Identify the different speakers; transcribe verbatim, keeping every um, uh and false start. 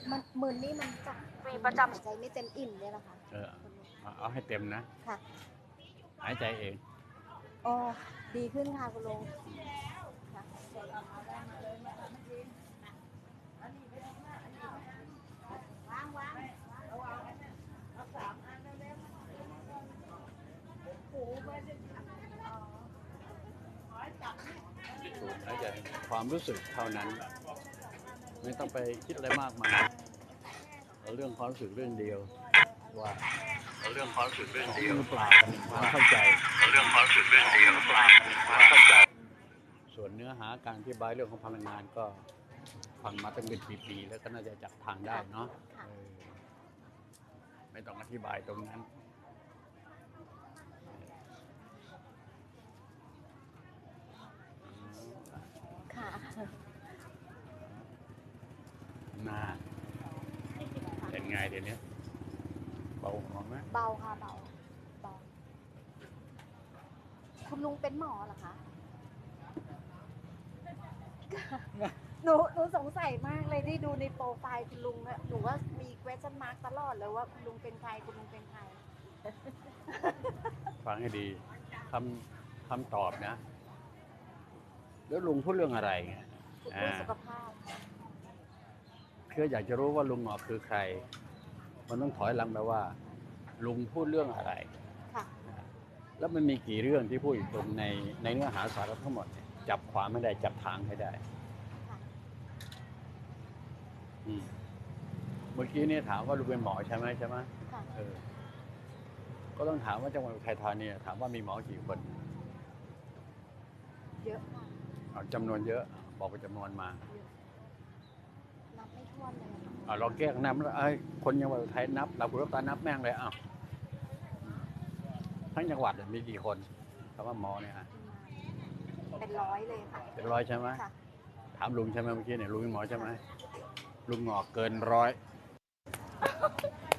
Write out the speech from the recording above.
Speaker 1: มันมึนนี่มันจะมีประจำหายใจไม่เต็มอิ่มเนี่ยแหละค่ะ
Speaker 2: เออเอาให้เต็มนะ
Speaker 1: ค่ะ
Speaker 2: หายใจเอง
Speaker 1: โอ้ดีขึ้นค่ะคุณลุงค่ะ
Speaker 2: สูดหายใจความรู้สึกเท่านั้นไม่ต้องไปคิดอะไรมากมายเอาเรื่องความรู้สึกเรื่องเดียวว่าเอาเรื่องความรู้สึกเรื่องเดียวเปล่าความเข้าใจเอาเรื่องความรู้สึกเรื่องเดียวเปล่าความเข้าใจส่วนเนื้อหาการอธิบายเรื่องของพลังงานก็ฟังมาตั้งเป็นปีๆแล้วก็น่าจะจับทางได้เนาะไม่ต้องอธิบายตรงนั้น
Speaker 1: ค่ะ
Speaker 2: น่าเป็นไงเดี๋ยวนี้เบาหัวไหม
Speaker 1: เบาค่ะเบาเบาคุณลุงเป็นหมอเหรอคะหนูหนูสงสัยมากเลยที่ดูในโปรไฟล์คุณลุงอะหนูว่ามี question mark ตลอดเลยว่าคุณลุงเป็นใครคุณลุงเป็นใคร
Speaker 2: ฟังให้ดีคำคำตอบนะแล้วลุงพูดเรื่องอะไรไง
Speaker 1: เรื่องสุขภาพ
Speaker 2: คืออยากจะรู้ว่าลุงหงอกคือใครมันต้องถอยหลังไปว่าลุงพูดเรื่องอะไร
Speaker 1: ค่ะ
Speaker 2: แล้วมันมีกี่เรื่องที่พูดอยู่ตรงในในเนื้อหาสาระทั้งหมดเนี่ยจับความไม่ได้จับทางให้ได้เมื่อกี้เนี่ยถามว่าลุงเป็นหมอใช่ไหมใช่ไหมเออก็ต้องถามว่าจังหวัดอุทัยธานีถามว่ามีหมอกี่คน
Speaker 1: เยอะค่ะ
Speaker 2: จำนวนเยอะบอกเป็นจำนวนมา
Speaker 1: นับไม่ถ้วนเลย
Speaker 2: อ่าเราแก้นับแล้วไอ้คนจังหวัดอุทัยนับเราคุณรับตานับแม่งเลยอ้าวทั้งจังหวัดมีกี่คนคำว่าหมอเนี่ย
Speaker 1: เป็นร้อยเลยค่ะ
Speaker 2: เป็นร้อยใช่ไหมถามลุงใช่ไหมเมื่อกี้เนี่ยลุงเป็นหมอใช่ไหมลุงหงอกเกินร้อย